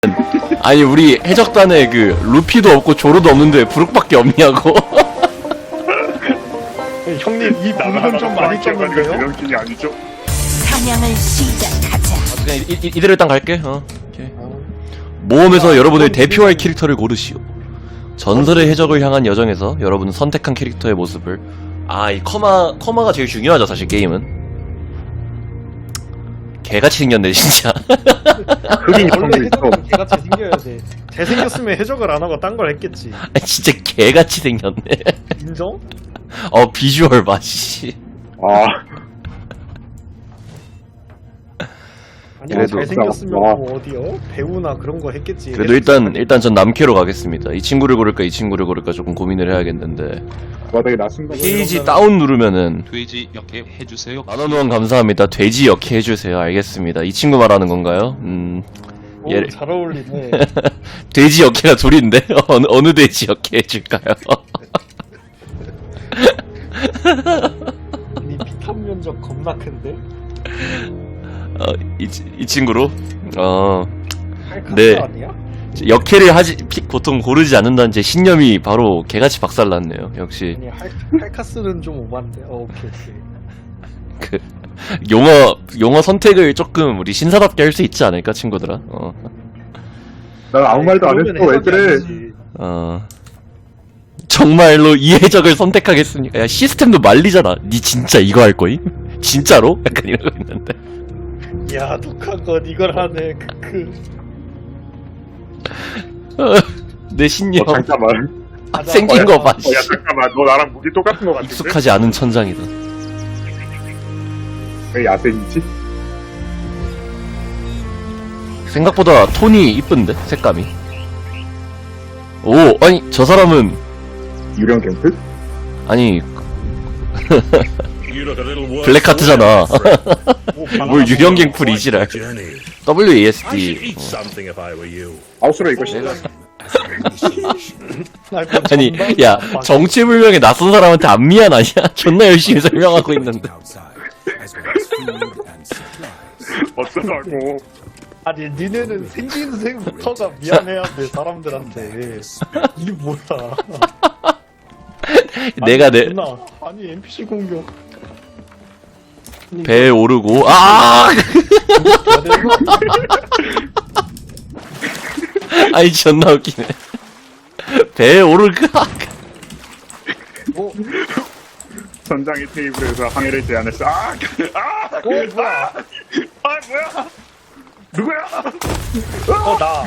아니 우리 해적단에 그 루피도 없고 조로도 없는데 브룩밖에 없냐고. 형님 이 분은 좀 많이 꼈는데요? 대령끼리 아니죠? 사냥을 시작하자. 그냥 이대로 일단 갈게. 오케이. 모험에서 여러분의 대표할 캐릭터를 고르시오. 전설의 해적을 향한 여정에서 여러분은 선택한 캐릭터의 모습을 이 커마가 제일 중요하죠 사실 게임은. 개같이 생겼네 진짜. 흑인 원래 형도 있어. 해적은 개같이 생겨야 돼. 잘생겼으면 해적을 안 하고 딴 걸 했겠지. 진짜 개같이 생겼네. 인정? 비주얼 맛이. 아, 아니 그래도- 잘생겼으면 와. 뭐 어디요? 배우나 그런 거 했겠지. 그래도 일단 전 남캐로 가겠습니다. 이 친구를 고를까 이 친구를 고를까 조금 고민을 해야겠는데. 와 되게 낯선 페이지 다운 누르면은 돼지 이렇게 해주세요. 만원 후원 감사합니다. 돼지 역해 해주세요. 알겠습니다. 이 친구 말하는 건가요? 오, 얘 잘 어울리네. 돼지 역해가 둘인데 어느 돼지 역해 해줄까요? 이 비탄 면적 겁나 큰데? 이 친구로 할카스 네. 아니야? 역해를 보통 고르지 않는다는 제 신념이 바로 개같이 박살났네요. 역시 아니 할카스는 좀 오반데. 오케이. 그 용어 선택을 조금 우리 신사답게 할 수 있지 않을까 친구들아. 난 아무 말도 안 했어. 왜 그래? 정말로 이 해적을 선택하겠습니까? 야 시스템도 말리잖아. 니 진짜 이거 할 거임? 진짜로? 약간 이러고 있는데. 야 독한 건 이걸 하네. 내 신념 잠깐만. 생긴 거 봐. 야 잠깐만. 너 나랑 무기 똑같은 거 같은데? 익숙하지 않은 천장이다. 왜 야생이지? 생각보다 톤이 이쁜데 색감이. 오 아니 저 사람은 유령 캠프? 아니 블랙하트잖아. 뭘 유령갱 풀 이지랄. WASD. 아웃으로 이거 씨. 아니 야 정체불명의 낯선 사람한테 안 미안하냐? 존나 열심히 설명하고 있는데. 어쩌라고. 아니 니네는 생긴 새부터가 미안해야 돼 사람들한테. 이게 뭐야? 내가 내 아니 NPC 공격. 배에 오르고 아니 존나 웃기네. 배에 오르고 뭐? 전장의 테이블에서 항해를 제안했어. 뭐야? 뭐야? 누구야? 나.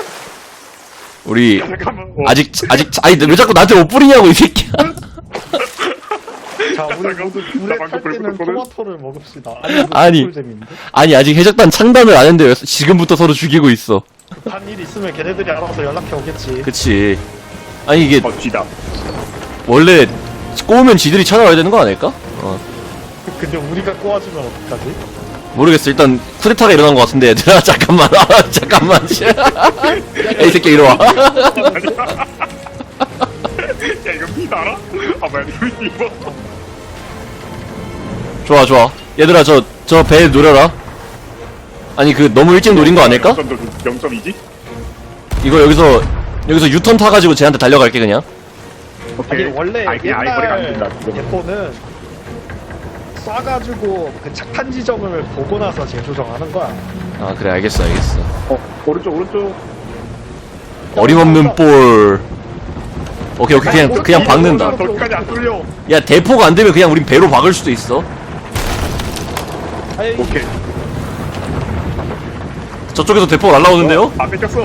우리 잠깐만. 아직 아니 왜 자꾸 나한테 옷 뿌리냐고 이 새끼야. 자 우리 모두 불에 나 방금 탈 때는 불 토마토를 먹읍시다. 아니. 재밌는데? 아니 아직 해적단 창단을 안 했는데 왜 지금부터 서로 죽이고 있어. 급한 일 있으면 걔네들이 알아서 연락해 오겠지. 그치. 아니 이게 뒤다. 원래 꼬우면 지들이 찾아와야 되는 거 아닐까? 근데 우리가 꼬아주면 어떡하지? 모르겠어. 일단 쿠데타가 일어난 것 같은데 얘들아 잠깐만. 잠깐만. 야, 이 새끼 이리 와. 야 이거 피 알아? 뭐야 이거. 좋아. 얘들아 저 배 노려라. 아니 그 너무 일찍 노린 거 아닐까? 0점이지? 이거 여기서 유턴 타가지고 쟤한테 달려갈게 그냥. 오케이. 아니 원래 그냥 아이버리가 안 된다. 옛날 대포는 쏴가지고 그 착한 지점을 보고 나서 재조정하는 거야. 아 그래 알겠어. 오른쪽. 어림없는 볼. 오케이 그냥 박는다. 거기까지 안 뚫려. 야 대포가 안 되면 그냥 우린 배로 박을 수도 있어. 아이, 오케이. 저쪽에서 대포가 날라오는데요? 안 뺏겼어.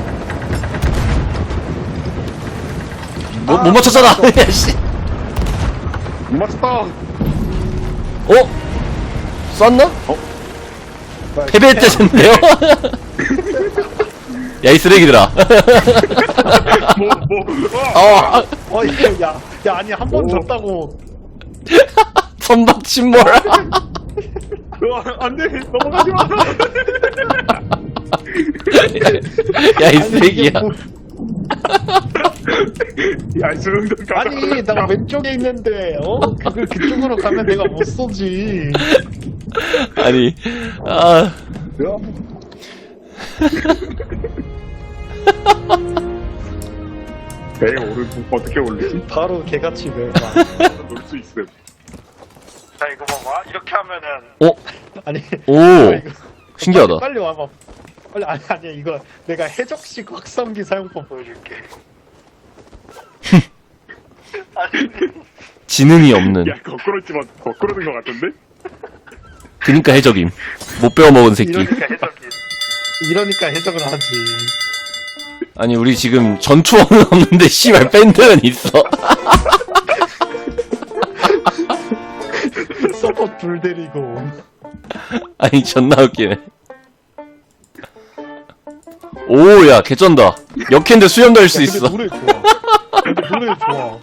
못 맞췄잖아. 야 씨. 못 맞췄다. 쐈나? 패배했대는데요? 야 이 쓰레기들아. 이거 야 아니 한 번 졌다고. 선박 침몰. 안 돼. 넘어가지 마. 야 이 쓰레기야. 야, 수능도 아니 나 왼쪽에 있는데 그걸 그쪽으로 가면 내가 못 쏘지. 아니 배에 오른 어떻게 올리지? 바로 개같이 멸망. 놀 수 있음. 자 이거 봐봐. 이렇게 하면은 어? 아니 오 이거 신기하다. 빨리 와봐. 빨리 아니 이거 내가 해적식 확성기 사용법 보여줄게. 아니 지능이 없는. 야 거꾸로 된 거 같은데? 그니까 해적임. 못 배워먹은 새끼. 이러니까 해적을 하지. 아니 우리 지금 전투원은 없는데 씨발 밴드는 있어. 서포트 불 데리고. 아니 존나 웃기네. 오야 개쩐다. 역캔데 수염 달 수 야, 있어. 근데 노래 좋아. 근데 노래 좋아.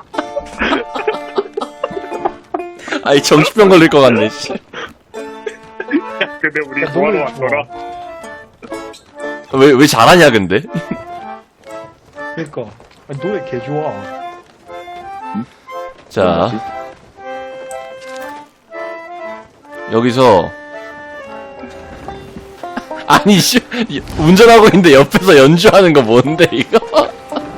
아니 정신병 걸릴 것 같네. 씨. 근데 우리 야, 구하러 노래 왔더라. 왜 잘하냐 근데? 그니까 아니, 노래 개 좋아. 자 여기서 아니 씨 운전하고 있는데 옆에서 연주하는 거 뭔데 이거?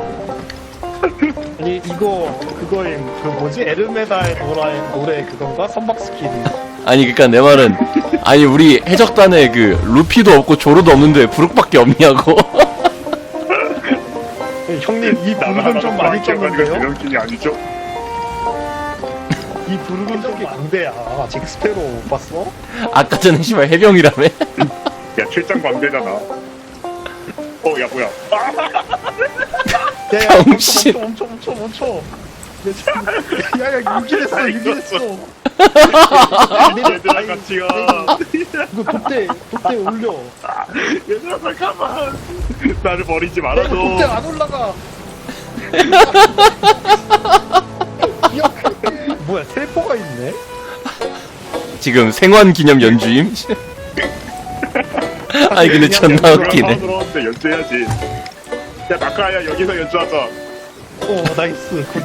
아니 이거 그거임 그 뭐지 에르메다의 노래 그건가 선박스키드. 아니 그니까 내 말은 아니 우리 해적단에 그 루피도 없고 조로도 없는데 부룩밖에 없냐고. 아니, 형님 이 부르는 좀 많이 꼈는데요? 대명kin이 아니죠? 이 부르는 쪽이 광대야. 아직 스페로 못 봤어? 아까 전에 씨발 해병이라며? 야 출장 광대잖아. 야 뭐야? 야야 병신. 멈춰. 야야 유기했어. 얘들아 같이 가. 이거 돛대 올려. 얘들아 잠깐만. 나를 버리지 야, 말아줘. 이거 돛대 안 올라가. 야, 뭐야 텔포가 있네? 지금 생환 기념 연주임? 아니 근데 존나 웃기네. 들어왔는데 연주해야지. 야 나카야 여기서 연주하자. 나이스. 굿.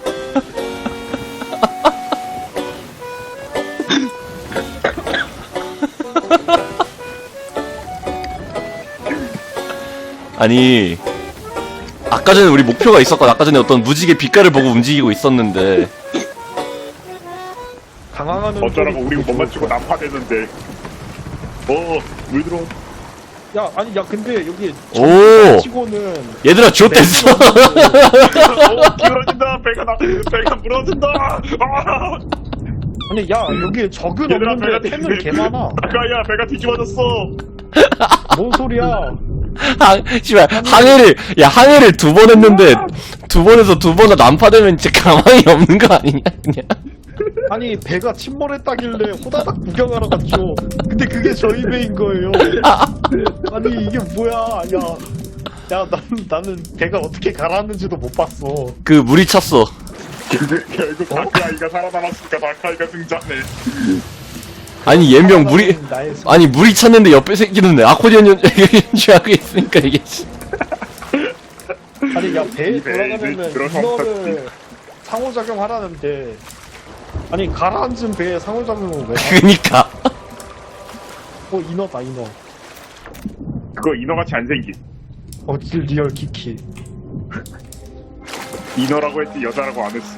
아니 아까 전에 우리 목표가 있었거든. 아까 전에 어떤 무지개 빛깔을 보고 움직이고 있었는데 당황하는 어쩌라고 소리 우리 못 좋을 맞추고 거야. 난파되는데. 물 들어. 야 아니 야 근데 여기 오 치고는 얘들아 쥐어댔어. 기울어진다. 배가 무너진다. 아니 야 여기 적은 얘들아 없는데 템은 개 많아. 나카야 배가 뒤집어졌어. 뭔 소리야? 씨발 항해를 두 번 했는데 두 번에서 두 번 다 난파되면 진짜 가망이 없는 거 아니냐 그냥. 아니 배가 침몰했다길래 호다닥 구경하러 갔죠. 근데 그게 저희 배인 거예요. 아니 이게 뭐야? 야 나는 배가 어떻게 가라앉는지도 못 봤어. 그 물이 찼어. 결국 다크아이가 살아남았으니까 다크아이가 등장해. 아니 얘명 물이 나의 소... 아니 물이 찼는데 옆에 새끼는 아코디언 연주하고 있으니까 이게 아니 야 배에 이 배에 돌아가면은 들어서 인어를 상호작용 하라는데 아니 가라앉은 배에 상호작용을 왜? 그니까 인어다 인어. 그거 인어같이 안 생긴. 리얼 키키. 인어라고 했지 여자라고 안 했어.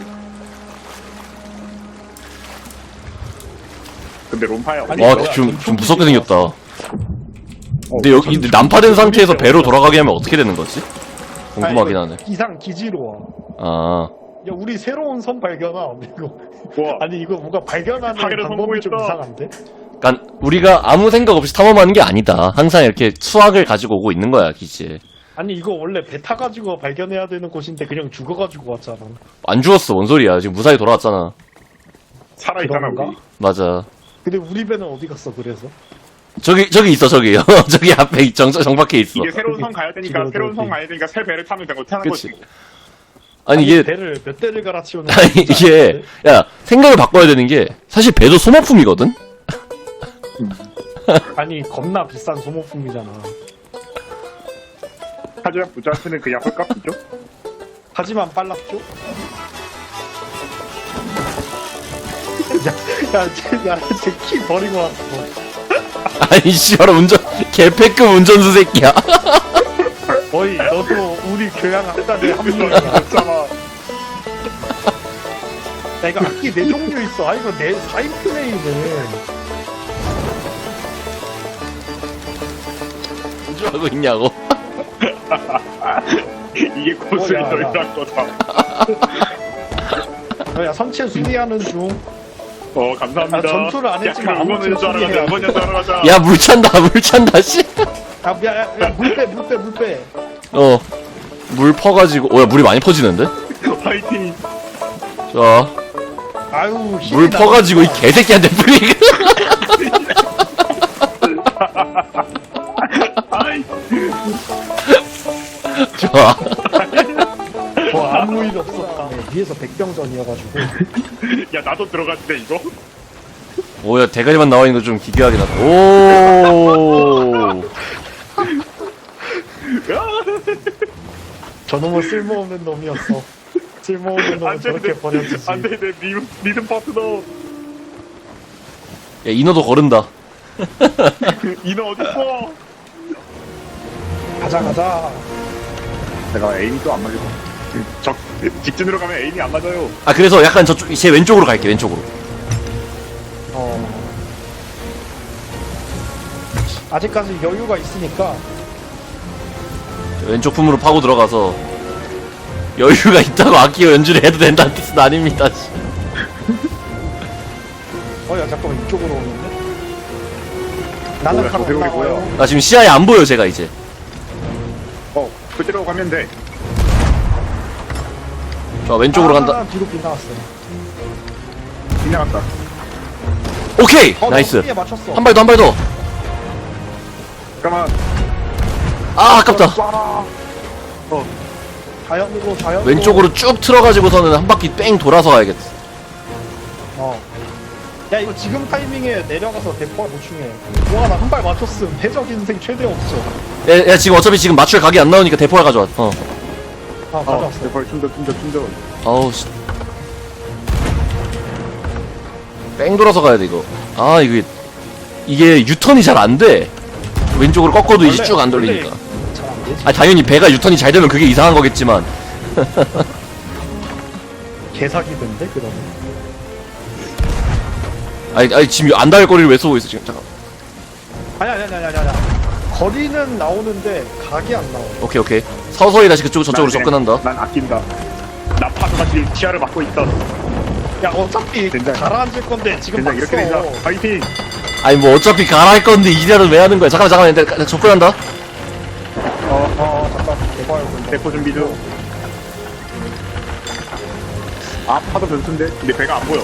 근데 롬파야. 아니, 와 뭐야, 좀 좀 무섭게 생겼다. 근데 여기 근데 난파된 상태에서 배로 돌아가게 하면 어떻게 되는 거지? 궁금하긴 하네. 이상 기지로 와. 아 야 우리 새로운 섬 발견함 이거. 우와. 아니 이거 뭔가 발견하는 하기를 방법이 좀 성공했다. 이상한데? 그러니까 우리가 아무 생각 없이 탐험하는 게 아니다. 항상 이렇게 수학을 가지고 오고 있는 거야 기지에. 아니 이거 원래 배 타가지고 발견해야 되는 곳인데 그냥 죽어가지고 왔잖아. 안 죽었어 뭔 소리야. 지금 무사히 돌아왔잖아. 살아있잖아 그런가? 우리. 맞아. 근데 우리 배는 어디 갔어 그래서? 저기 있어 저기요. 저기 앞에 정박해 있어. 이게 새로운 섬 가야 되니까 길어져, 새로운 섬 길어. 가야 되니까 새 배를 타면 되고 타는 그치. 거지. 아니 이게 배를 몇 대를 갈아치우는 아니 이게 야 생각을 바꿔야 되는 게 사실 배도 소모품이거든. 아니 겁나 비싼 소모품이잖아. 하지만 부자한테는 그냥 헐값이죠. 하지만 빨랐죠? 야쟤 키 버리고 왔어. 아니 씨발 운전 개패급 운전수 새끼야. 어이 너도 우리 교양학단에 합류했잖아. 야 이거 악기 4종류 있어. 아 이거 내 4인 플레이네. 하고 있냐고. 이게 고수의 야. 너희란 거다. 야 선체 수리하는 중. 감사합니다. 아, 전투를 안 했지만 아무 응원해줘 하러 가자. 응원해줘 하러 가자. 야, 물 찬다, 물 찬다, 씨. 물 빼. 어. 물 퍼가지고, 야, 물이 많이 퍼지는데? 파이팅. 자, 아유 물 퍼가지고 이 개새끼한테 뿌리고. 아이. 좋아. 아무 일 없었다. 네, 위에서 백병전이어가지고. 야 나도 들어갔는데 이거? 뭐야, 대가리만 나와 있는 거 좀 기괴하게 났다. 오. 저놈은 쓸모없는 놈이었어. 쓸모없는 놈은 저렇게 버려지지. 안돼 내 리듬 파트너. 야, 인어도 거른다. 인어 어딨어? 가자. 내가 에임이 또 안 맞을 거. 직진으로 가면 에임이 안 맞아요. 아, 그래서 약간 저쪽, 제 왼쪽으로 갈게, 왼쪽으로. 아직까지 여유가 있으니까. 왼쪽 품으로 파고 들어가서 여유가 있다고 악기 연주를 해도 된다는 뜻은 아닙니다. 씨. 야 잠깐만 이쪽으로 오는데? 나는 뭐야, 가로 저 배우리 올라와요. 나 지금 시야에 안 보여, 제가 이제. 그대로 가면 돼. 자, 왼쪽으로 간다. 뒤로 빗나갔어요. 지나갔다. 오케이! 나 나이스. 피에 맞췄어. 한 발 더, 한 발 더. 잠깐만. 아, 아깝다. 쏴라. 자연으로. 왼쪽으로 쭉 틀어가지고서는 한 바퀴 뺑 돌아서 가야겠어. 야 이거 지금 타이밍에 내려가서 대포가 보충해. 와 나 한 발 맞췄음. 해적 인생 최대 없어. 야, 지금 어차피 지금 맞출 각이 안 나오니까 대포를 가져와. 가져왔어. 대펄 충전. 아우, 씨. 뺑 돌아서 가야 돼, 이거. 아, 이게 유턴이 잘 안 돼. 왼쪽으로 꺾어도 이제 쭉 안 돌리니까. 잘안 되지. 아, 당연히 배가 유턴이 잘 되면 그게 이상한 거겠지만. 개사기던데 그러면. 아니, 지금 안 닿을 거리를 왜 쏘고 있어, 지금. 잠깐. 아니야. 거리는 나오는데 각이 안 나와. 오케이. 서서히 다시 저쪽으로 접근한다. 난 아낀다. 나 파도같이 치아를 막고 있다. 야 어차피 된장. 가라앉을 건데 지금 된장 막 이렇게 되자. 써. 파이팅. 아니, 뭐, 어차피 가라할 건데, 이대로 왜 하는 거야? 잠깐만, 내가 접근한다. 잠깐 대봐요 근데. 대포 준비 중. 파도 변수인데? 근데 배가 안 보여.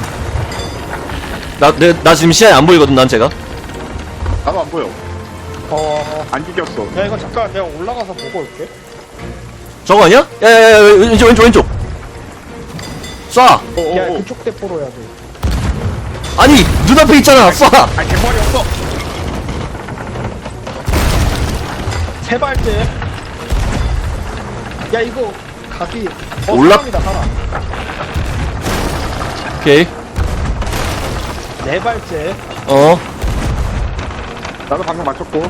나 지금 시야에 안 보이거든, 난 제가. 나도 안 보여. 안 죽였어. 야 이거 잠깐 내가 올라가서 보고 올게. 저거 아니야? 야, 왼쪽. 쏴! 야 그쪽 대포로 해야 돼. 아니, 눈앞에 있잖아, 쏴! 아니 대포알이 없어. 세 발째. 야 이거 각이. 올라- 사람. 오케이. 네 발째. 나도 방금 맞췄고.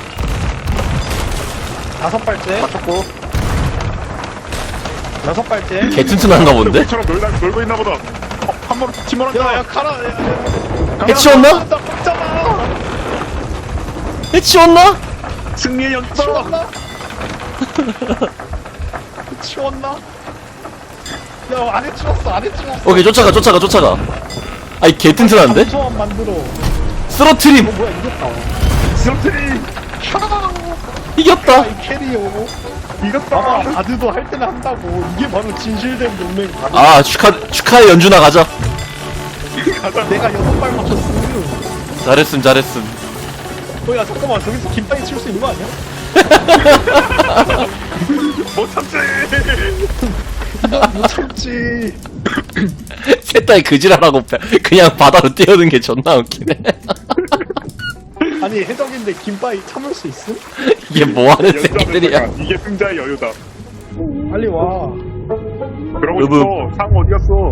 다섯 발째. 맞췄고. 여섯 발째. 개 튼튼한가 본데? 처럼 놀고 있나 보다. 한 번으로 침몰한다. 야 가라. 해치웠나? 나 먹잖아. 해치웠나? 승리의 연속. 치웠나? 치웠나? 야 안에 치웠어. 오케이, 쫓아가. 아이, 개 튼튼한데? 소환 만들어. 쓰러트림! 뭐야 이겼다. 스로트리. 이겼다! 이 캐리어. 이겼다. 봐봐 바드도 할 때는 한다고. 이게 바로 진실된 동맹 바드. 아, 축하의 연주나 가자. 내가 여섯 발 맞췄음. 잘했음. 야 잠깐만 저기서 김빵이 칠 수 있는 거 아니야? 못 참지. 못 참지. 셋다이 그지랄하고 그냥 바다로 뛰어든 게 존나 웃기네. 아니 해적인데 김빵이 참을 수 있음? 이게 뭐하는 새끼들이야. 이게 승자의 여유다. 빨리 와. 그러고 여보. 있어. 상 어디 갔어?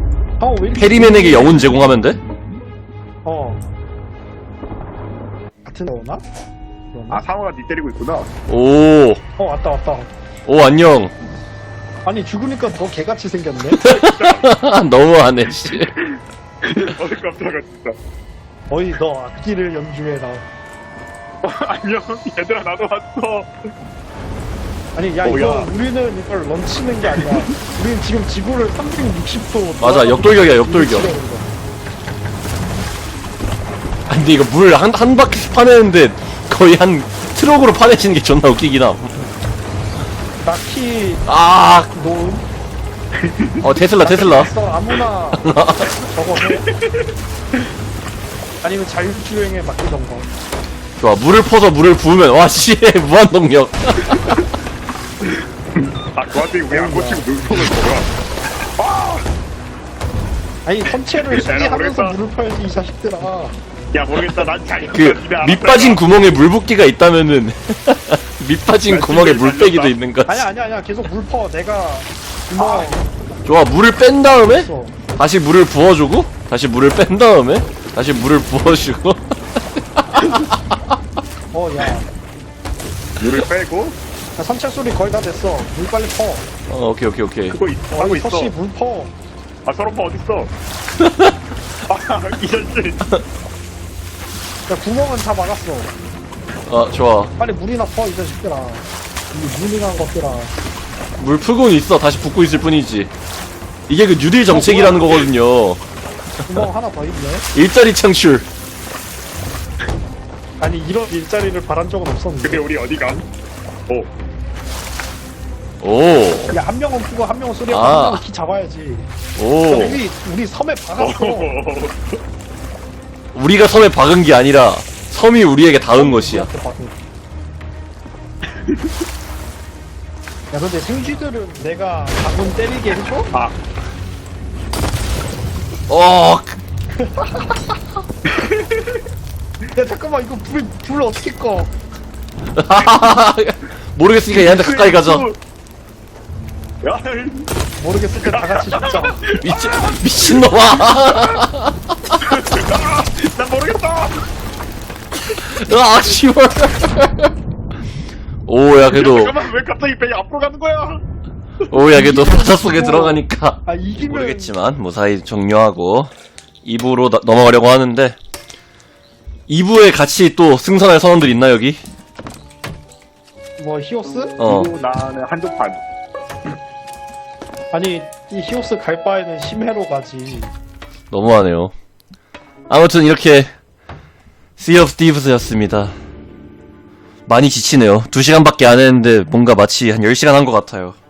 왜 이렇게 페리맨에게 영혼 제공하면 돼? 같은 오나? 아 상어가 니 때리고 있구나. 오, 왔다 왔다. 오, 안녕. 아니 죽으니까 더 개같이 생겼네. 너무하네, 씨. 어이 깜짝아 진짜. 어이 너 악기를 연주해라. 안녕 얘들아 나도 왔어. 아니 야 뭐야. 이거 우리는 이걸 런치는 게 아니야. 우리는 지금 지구를 360도 맞아, 역돌격이야, 역돌격. 아, 근데 이거 물 한 바퀴씩 파내는데 거의 한 트럭으로 파내시는 게 존나 웃기긴 함. 나키 아, 놓은 테슬라. 있어 아무나 저거 해. 아니면 자율주행에 맡기던가. 좋아, 물을 퍼서 물을 부으면, 와, 씨, 무한동력. 아 그 와중에 왜안 고치고 눈썹을 보라. 아니 선체를 내가 수리하면서 모르겠다. 물을 퍼야지 이 자식들아. 야 모르겠다 난 잘. 밑 빠진 구멍에 물 붓기가 있다면은, 밑 빠진 나 구멍에 지금 물 빼기도 살렸다. 있는 거지. 아니야 계속 물 퍼. 내가 구멍 좋아, 물을 뺀 다음에, 있어. 다시 물을 부어주고, 다시 물을 뺀 다음에, 다시 물을 부어주고. 야 물을 빼고 선체 소리 거의 다 됐어. 물 빨리 퍼. 오케이. 그거 하고 있어. 서씨 물 퍼. 아 서로파 어딨어? 이 자식. 야 구멍은 다 막았어. 좋아. 빨리 물이나 퍼 이 자식들아. 이 무능한 것들아. 물 풀고는 있어. 다시 붓고 있을 뿐이지. 이게 그 뉴딜 정책이라는 거거든요. 구멍 하나 더 있네. 일자리 창출. 아니 이런 일자리를 바란 적은 없었는데. 근데 우리 어디 간? 오. 오. 야 한 명은 푸고 한 명은 소리하고 아. 한 명은 키 잡아야지. 오. 우리 섬에 박았어. 우리가 섬에 박은 게 아니라 섬이 우리에게 닿은 것이야. 우리한테 박은. 야 근데 생쥐들은 내가 방금 때리게 해줘? 아 어. 야 잠깐만 이거 불 어떻게 꺼? 모르겠으니까 얘한테 가까이 가자. 야, 모르겠을 때 다 같이 죽자. 미친놈아. 난 모르겠다. 아, 씨발. 오, 야, 그래도. 잠깐만 왜 갑자기 배이 앞으로 가는 거야? 오, 야, 그래도 바다 속에 들어가니까. 아 이기면 모르겠지만, 무사히 종료하고, 2부로 넘어가려고 하는데, 2부에 같이 또 승선할 선원들 있나, 여기? 뭐 히오스? 그리고 나는 한쪽판. 아니 이 히오스 갈 바에는 심해로 가지. 너무하네요. 아무튼 이렇게, Sea of Thieves였습니다. 많이 지치네요. 2시간밖에 안 했는데, 뭔가 마치 한 10시간 한 것 같아요.